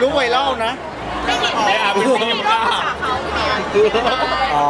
กไวรัลนะไม่ผิดไม่ก็ภาษาเขาอ๋อ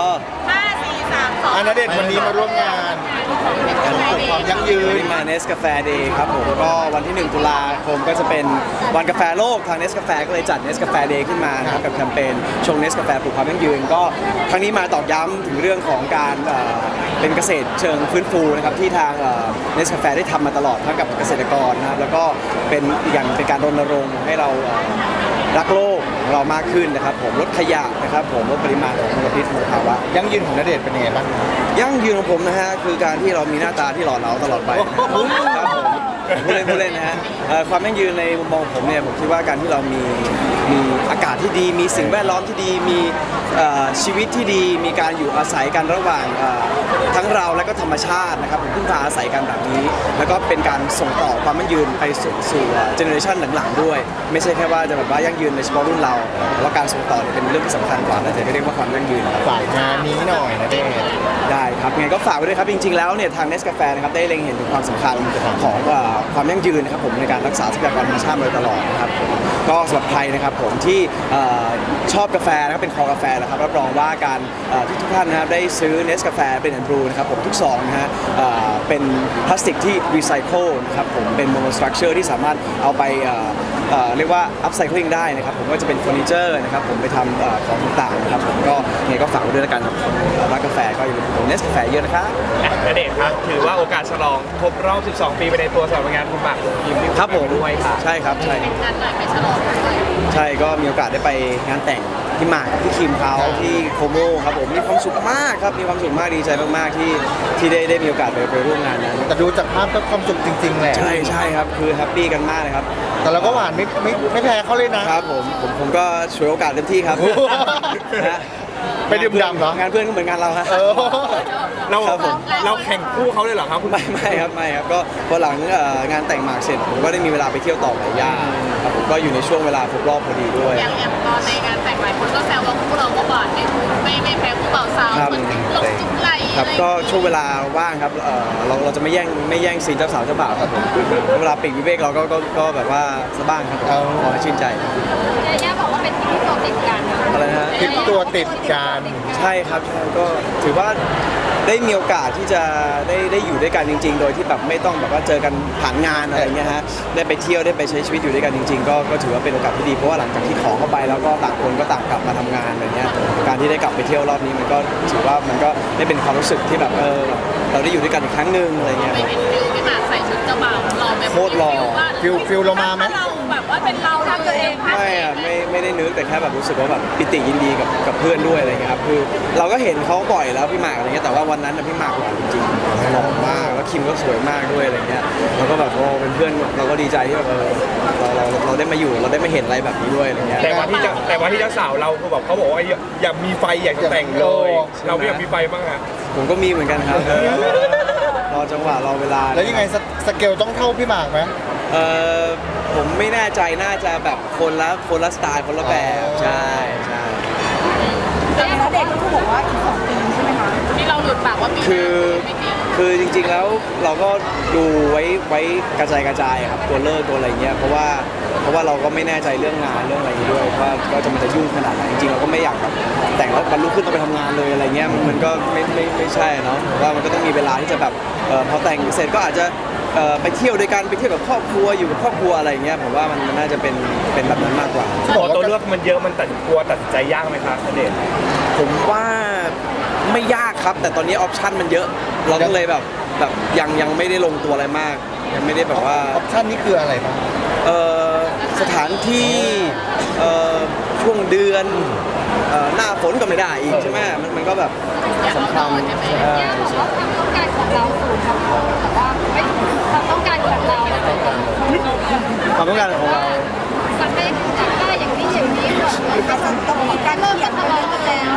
ณเดชน์วันนี้มาร่วมงานความยั่งยืนมาเนสกาแฟเดย์ครับผมก็วันที่1 ตุลาคมก็จะเป็นวันกาแฟโลกทางเนสกาแฟก็เลยจัดเนสกาแฟเดย์ขึ้นมานะครับกับแคมเปญชงเนสกาแฟปลูกความยั่งยืนก็ครั้งนี้มาตอกย้ำถึงเรื่องของการเป็นเกษตรเชิงฟื้นฟูนะครับที่ทางเนสกาแฟได้ทำมาตลอดทั้งกับเกษตรกรนะครับแล้วก็เป็นอีกอย่างเป็นการรณรงค์ให้เรารักโลกของเรามากขึ้นนะครับผมลดขยะนะครับผมลดปริมาณของมลพิษมลภาวะยั่งยืนของณเดชน์เป็นยังไงบ้างยั่งยืนของผมนะฮะคือการที่เรามีหน้าตาที่หล่อเหลาตลอดไปครับผมพูดเล่นนะฮะความยั่งยืนในมุมมองผมเนี่ยผมคิดว่าการที่เรามีอากาศที่ดีมีสิ่งแวดล้อมที่ดีมีชีวิตที่ดีมีการอยู่อาศัยกันระหว่างทั้งเราและก็ธรรมชาตินะครับผมพึ่งพาอาศัยกันแบบนี้แล้วก็เป็นการส่งต่อความยั่งยืนไปสู่เจเนอเรชันหลังๆด้วยไม่ใช่แค่ว่าจะแบบว่ายั่งยืนในเฉพาะรุ่นเราแต่ว่าการส่งต่อเป็นเรื่องที่สำคัญกว่าและจะเรียกว่าความยั่งยืนฝากงานนี้หน่อยนะเดชได้ครับไงก็ฝากไว้ด้วยครับจริงๆแล้วเนี่ยทางเนสกาแฟนะครับได้เล็งเห็นถึงความสำคัญของความยั่งยืนนะครับผมในการรักษาทรัพยากรธรรมชาติมาโดยตลอดนะครับผมก็สำหรับใครนะครับผมที่ชอบกาแฟนะครับเป็นคอกาแฟนะครับรับรองว่าการที่ทุกท่านนะครับได้ซื้อเนสกาแฟเป็นอันบรูนะครับผมทุกซองนะฮะเป็นพลาสติกที่รีไซเคิลนะครับผมเป็นโมโนสตรัคเจอร์ที่สามารถเอาไปเรียกว่าอัพไซคลิงได้นะครับผมก็จะเป็นเฟอร์นิเจอร์นะครับผมไปทำของต่างๆนะครับผมก็ไงก็ฝากไว้ด้วยแล้วกันครับรักกาแฟก็อย่าลืมอุดหนุนเนสกาแฟเยอะนะครับณเดชน์ครับถือว่าโอกาสฉลองครบรอบ 12 ปีไปในตัวสำหรับงานคุณหมากยิ้มครับผมด้วยค่ะใช่ครับใช่เป็นงานหน่อยไปฉลองด้วยใช่ก็มีโอกาสได้ไปงานแต่งที่หมากที่คิมเขาที่โคโมครับผมมีความสุขมากครับมีความสุขมากดีใจมากๆที่ได้มีโอกาสไปร่วมงานนั้นแต่ดูจากภาพก็ความสุขจริงๆแหละใช่ครับคือแฮปปี้กันมากเลยครับแต่เราก็หวานไม่แพ้เขาเลยนะครับผมก็ช่วยโอกาสเต็มที่ครับไปดื่มด่ำเหรองานเพื่อนก็เหมือนงานเราครับเราแข่งคู่เขาเลยเหรอครับคุณไม่ครับก็พอหลังงานแต่งหมากเสร็จผมก็ได้มีเวลาไปเที่ยวต่อกับย่าครับผมก็อยู่ในช่วงเวลาครบรอบพอดีด้วยอย่างตอนในงานแต่งหลายคนก็แซวว่าคู่เราก็หวานไม่แพ้คู่บ่าวสาวเหมือนหลงจุ๊บไหลครับก็ช่วงเวลาว่างครับเราจะไม่แย่งซีนเจ้าสาวเจ้าบ่าวครับผมเวลาปีกวิเวกเราก็แบบว่าสบ้างครับขอให้ชื่นใจย่าบอกว่าเป็นที่ตัวติดกันอะไรนะทริปตัวติดกันใช่ครับก็ถือว่าได้มีโอกาสที่จะได้อยู่ด้วยกันจริงๆโดยที่แบบไม่ต้องแบบว่าเจอกันผ่านงานอะไรเงี้ยฮะได้ไปเที่ยวได้ไปใช้ชีวิตอยู่ด้วยกันจริงๆก็ถือว่าเป็นโอกาสที่ดีเพราะว่าหลังจากที่ขอเข้าไปแล้วก็ต่างคนก็ต่างกลับมาทำงานอะไรเงี้ยการที่ได้กลับไปเที่ยวรอบนี้มันก็ถือว่ามันก็ได้เป็นความรู้สึกที่แบบเราได้อยู่ด้วยกันอีกครั้งหนึ่งอะไรเงี้ยไม่เห็นฟิลที่มาใส่ชุดเจ้าบ่าวรอแบบโคตรรอฟิลเรามาไหมเราแบบว่าเป็นเราทำตัวเองไม่ได้นึกแต่แค่แบบรู้สึกว่าแบบปิติยินดีกับเพื่อนด้วยอะไรเงี้ยครับคือเราก็เห็นเขาบ่อยแล้วพี่หมากอะไรเงี้ยแต่ว่าวันนั้นพี่หมากหล่อจริงๆหล่อมากแล้วคิมก็สวยมากด้วยอะไรเงี้ยเราก็แบบเป็นเพื่อนเราก็ดีใจที่แบบเราได้มาอยู่เราได้มาเห็นอะไรแบบนี้ด้วยอะไรเงี้ยแต่ว่าที่เจ้าสาวเราคือแบบเขาบอกว่าอยากมีไฟอยากจะแต่งเลยเราไม่อยากมีไฟบ้างอะผมก็มีเหมือนกันครับรอจังหวะรอเวลาแล้วยังไงสเกลต้องเท่าพี่หมากไหมผมไม่แน่ใจน่าจะแบบคนละสไตล์คนละแบบใช่แต่เด็กก็บอกว่าอีก2 ปีใช่ไหมคะที่เราหลุดปากว่าปีคือจริงๆแล้วเราก็ดูไว้กระจายครับตัวเลิกตัวอะไรเงี้ยเพราะว่าเราก็ไม่แน่ใจเรื่องงานเรื่องอะไรด้วยว่ามันจะยุ่งขนาดไหนจริงๆเราก็ไม่อยากแบบแต่งแล้ววันรุ่งขึ้นต้องไปทำงานเลยอะไรเงี้ยมันก็ไม่ใช่เนาะว่ามันก็ต้องมีเวลาที่จะแบบพอแต่งเสร็จก็อาจจะไปเที่ยวด้วยกันไปเที่ยวกับครอบครัวอยู่กับครอบครัวอะไรเงี้ยผมว่ามันน่าจะเป็นแบบนั้นมากกว่าบอกตัวเลือกมันเยอะมันตัดใจยากไหมครับณเดชน์ผมว่าไม่ยากครับแต่ตอนนี้ออปชันมันเยอะเราก็เลยแบบยังไม่ได้ลงตัวอะไรมากยังไม่ได้แบบว่าออปชันนี้คืออะไรบ้างสถานที่ช่วงเดือนหน้าฝนก็ไม่ได้อีกใช่ไหมมันก็แบบสำคัญความต้องการของเราสูงครับแต่ว่าไม่ความต้องการของเราความต้องการของเราสักได้อย่างนี้ต้องมีการเริ่มกันทะเลาะกันแล้ว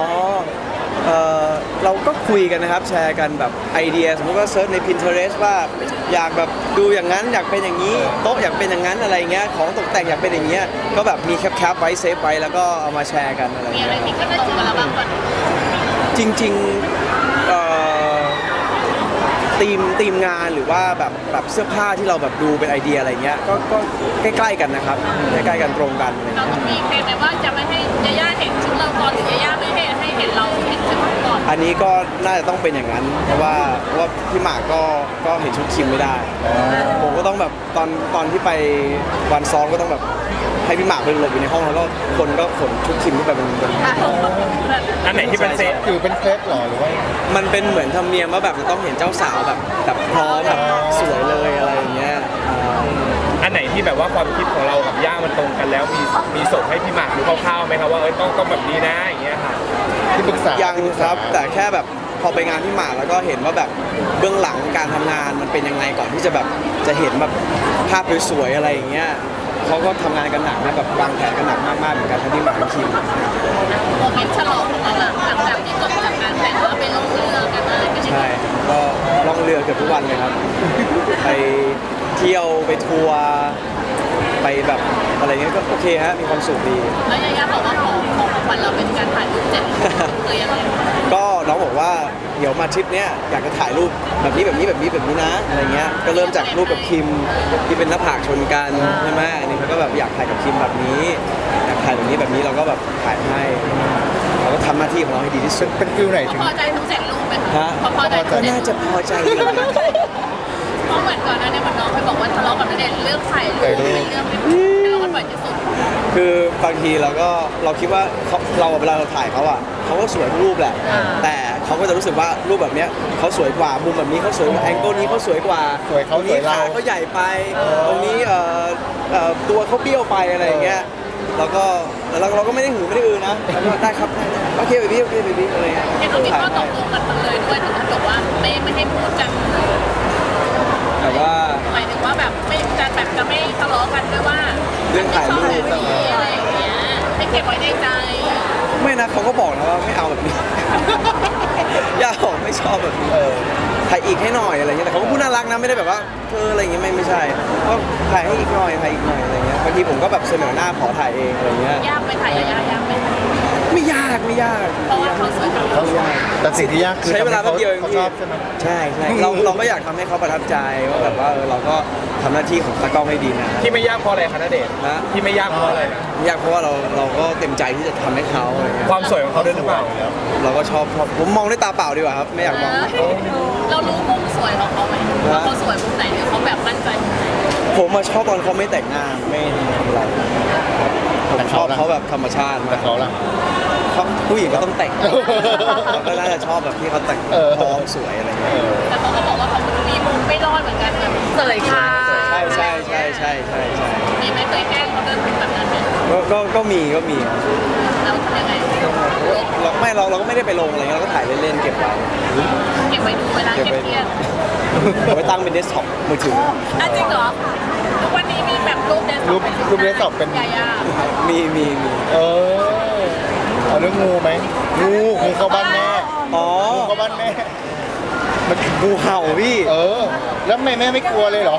เราก็คุยกันนะครับแชร์กันแบบไอเดียสมมติว่าเซิร์ชใน Pinterest ว่าอยากแบบดูอย่างนั้นอยากเป็นอย่างนี้โต๊ะอยากเป็นอย่างนั้นอะไรเงี้ยของตกแต่งอยากเป็นอย่างเงี้ยก็แบบมีแคปไว้เซฟไว้แล้วก็เอามาแชร์กันอะไรมีอะไรที่ก็ตรงกันแล้วบ้างก่อนจริงๆทีมงานหรือว่าแบบเสื้อผ้าที่เราแบบดูเป็นไอเดียอะไรเงี้ยก็ใกล้ๆกันนะครับใกล้ๆกันตรงกันอะไรเราเงี้ยต้องมีเพลงไหมว่าจะไม่ให้ยาย่าเห็นชุดเราก่อนหรือยาย่าไม่ให้เห็นเราเห็นชุดก่อนอันนี้ก็น่าจะต้องเป็นอย่างนั้นเพราะว่าพี่หมากก็เห็นชุดคิมไม่ได้ ผมก็ต้องแบบตอนที่ไปวันซ้อมก็ต้องแบบให้พี่หมากไปหลบอยู่ในห้องแล้วก็คนก็ขนชุดคิมขึ้นไปบนอันไหนที่เป็นเซตคือเป็นเคล็ดหรอหรือว่ามันเป็นเหมือนธรรมเนียมว่าแบบจะต้องเห็นเจ้าสาวแบบพร้อมแบบสวยเลยอะไรอย่างเงี้ยอันไหนที่แบบว่าความคิดของเรากับย่ามันตรงกันแล้วมีส่งให้พี่หมากดูคร่าวๆไหมครับว่าต้องแบบนี้นะอย่างเงี้ยค่ะที่ปรึกษายัยังครับแต่แค่แบบพอไปงานพี่หมากแล้วก็เห็นว่าแบบเบื้องหลังการทำงานมันเป็นยังไงก่อนที่จะแบบจะเห็นแบบภาพสวยๆอะไรอย่างเงี้ยเขาก็ทำงานกันหนักนะแบบวางแผนกันหนักมากๆเหมือนกันทั้งพี่หมากทั้งคิมโมเมนต์ฉลองของเราหลังจากที่จบจากงานแต่งแล้วไปลงเรือกันอะไรไม่ใช่ใช่ก็ล่องเรือเกือบทุกวันเลยครับ ไปเที่ยวไปทัวร์ไปแบบอะไรเงี้ยก็โอเคฮะมีความสุขดีแล้วยาย่าบอกว่าของขวัญเราเป็นการถ่ายรูปเจ็ดคือยังไงก็น้องบอกว่าเดี๋ยวมาทริปเนี้ยอยากจะถ่ายรูปแบบนี้นะอะไรเงี้ยก็เริ่มจากรูปกับคิมที่เป็นหน้าผากชนกันใช่ไหมอันนี้เขาก็แบบอยากถ่ายกับคิมแบบนี้อยากถ่ายแบบนี้เราก็แบบถ่ายให้เราก็ทำหน้าที่ของเราให้ดีที่สุดเป็นฟิลไหนถึงพอใจทุกเจ็ดรูปไหมฮะพอใจทุก็กเจ็ดน่าจะพอใจอยู่นะเพราะเหมือนก่อนหน้านี้มันน้องเคยบอกว่าทะเลาะกับณเดชน์เรื่องถ่ายรูปเป็นเรื่องที่ทะเลาะกันบ่อยที่สุดคือบางทีเราคิดว่าเราเวลาเราถ่ายเขาอ่ะเขาก็สวยทุกรูปแหละ แต่เขาก็จะรู้สึกว่ารูปแบบเนี้ยเขาสวยกว่ามุมแบบนี้เขาสวยกว่าแองเกิลนี้เขาสวยกว่าสวยเขาตรงนี้สวยเราขาเขาใหญ่ไป ตรงนี้ตัวเขาเบี้ยวไปอะไรอย่างเงี้ยแล้วก็เราก็ไม่ได้หือไม่ได้อือนะแล้วก็ได้ครับโอเคเบบี้โอเคเบบี้อะไรเงี้ยเห็นเรามีข้อตกลงกันมาเลยด้วยถึงขั้นบอกว่าไม่ให้พูดกันแต่ว่าหมายถึงว่าแบบไม่จะแบบจะไม่ทะเลาะกันด้วยว่าเรื่องถ่ายรูปแบบนี้อะไรอย่างเงี้ยให้เก็บไว้ในใจไม่นะเขาก็บอกนะว่าไม่เอาแบบนี้ ย่าบอกไม่ชอบแบบนี้ถ่ายอีกให้หน่อยอะไรเงี้ยแต่เขาก็พูดน่ารักนะไม่ได้แบบว่าอะไรอย่างเงี้ยไม่ใช่ก็ถ่ายให้อีกหน่อยอะไรเงี้ยบางทีผมก็แบบเสนอหน้าขอถ่ายเองอะไรเงี้ยยากไหมถ่ายยากไหมไม่ยากเพราะว่าเขาสวยกับเราไม่ยากแต่สิ่งที่ยากคือใช้เวลาแป๊บเดียวเองเขาพี่ชอบใช่ไหมใช่เราก็อยากทำให้เขาประทับใจว่าแบบว่าเราก็ทำหน้าที่ของตากล้องให้ดีนะที่ไม่ยากเพราะอะไรคะณเดชน์นะที่ไม่ยากเพราะอะไรนะยากเพราะว่าเราก็เต็มใจที่จะทำให้เขาอะไรเงี้ยความสวยของเขาด้วยหรือเปล่าเราก็ชอบผมมองด้วยตาเปล่าดีกว่าครับไม่อยากมองเรารู้มุมสวยของเขาไหมว่าเขาสวยมุมไหนหรือเขาแบบมั่นใจมุมไหนผมมาชอบตอนเขาไม่แต่งหน้าไม่อะไรผมชอบเขาแบบธรรมชาติแต่มากเขาล่ะเขาผู้หญิงก็ต้องแต่งเราก็น่าจะชอบแบบที่เขาแต่งพร้อมสวยอะไรเงี้ยแต่เขาก็บอกว่าเขามีมุมไม่รอดเหมือนกันแบบเสยค่ะใช่มีไหมเคยแกล้งเขาเรื่องแบบนั้นไหมก็มีแล้วทำยังไงเราก็ไม่ได้ไปลงอะไรเงี้ยเราก็ถ่ายเล่นๆเก็บไว้เก็บไว้ดูเวลาเครียดเอาไว้ตั้งเป็นเดสก์ท็อปมือถือๆจริงเหรอทุกวันนี้มีแบบรูปเดสก์รูปเดสก์ท็อปเป็นยาย่ามีเออเอาเรื่องงูไหมงูเข้าบ้านแม่อ๋องูเข้าบ้านแม่มันงูเห่าพี่แล้วแม่ไม่กลัวเลยเหรอ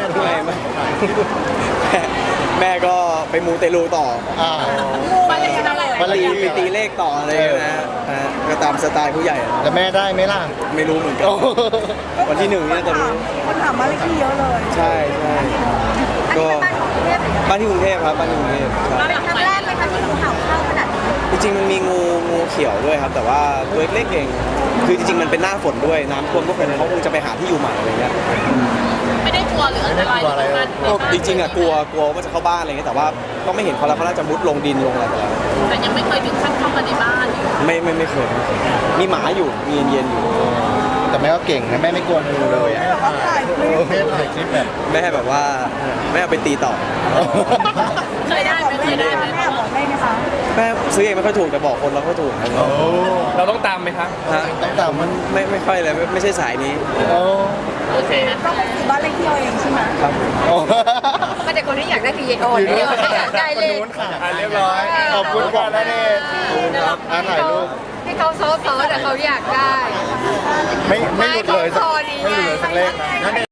แม่ก็ไปมูเตลูต่อบ้านเลขที่เท่าไหร่บ้านเลขที่ไปตีเลขต่ออะไรนะก็ตามสไตล์ผู้ใหญ่อะแล้วแม่ได้ไหมล่ะไม่รู้เหมือนกันวันที่หนึ่งเนี่ยจะรู้คนถามบ้านเลขที่เยอะเลยใช่ก็บ้านที่กรุงเทพครับบ้านที่กรุงเทพใช่บ้านหลังครั้งใหม่แรกไหมคะที่งูเห่าเข้าขนาดนี้จริงๆมันมีงูเขียวด้วยครับ แต่ว่าตัวเล็กๆเองคือจริงๆมันเป็นหน้าฝนด้วยน้ำท่วมก็เป็นเขาคงจะไปหาที่อยู่ใหม่อะไรเงี้ยไม่ได้กลัวหรืออันตรายหรือการจริงๆอ่ะกลัวว่าจะเข้าบ้านอะไรเงี้ยแต่ว่าก็ไม่เห็นเขาแล้วเขาน่าจะมุดลงดินลงอะไรไปแล้วแต่ยังไม่เคยถึงขั้นเข้ามาในบ้านไม่เคยมีหมาอยู่มีเย็นๆอยู่แต่แม่ก็เก่งนะแม่ไม่กลัวงูเลยอ่ะแม่ถ่ายคลิปแบบแม่แบบว่าแม่เอาไปตีต่อเคยได้ไหมเคยได้ไหมแม่บอกได้ไหมคะแม่ซื้อเองไม่ค่อยถูกแต่บอกคนเราก็ถูกครับเราต้องตามไหมครับฮะตั้งแต่มันไม่ค่อยเลยไม่ใช่สายนี้โอเคนะต้องไปซื้อบ้านเลขที่เอาเองใช่ไหมครับก็แต่คนที่อยากได้ PO อยู่เนี่นู่ยนอยากได้เลขเรียบร้อยขอบคุณก่อนนะเนี่ยถ่ายรูปที่เขาโซ่แต่เขาอยากได้ไม่หลุดเลยสักไม่หลุดเลยสักเลขนะ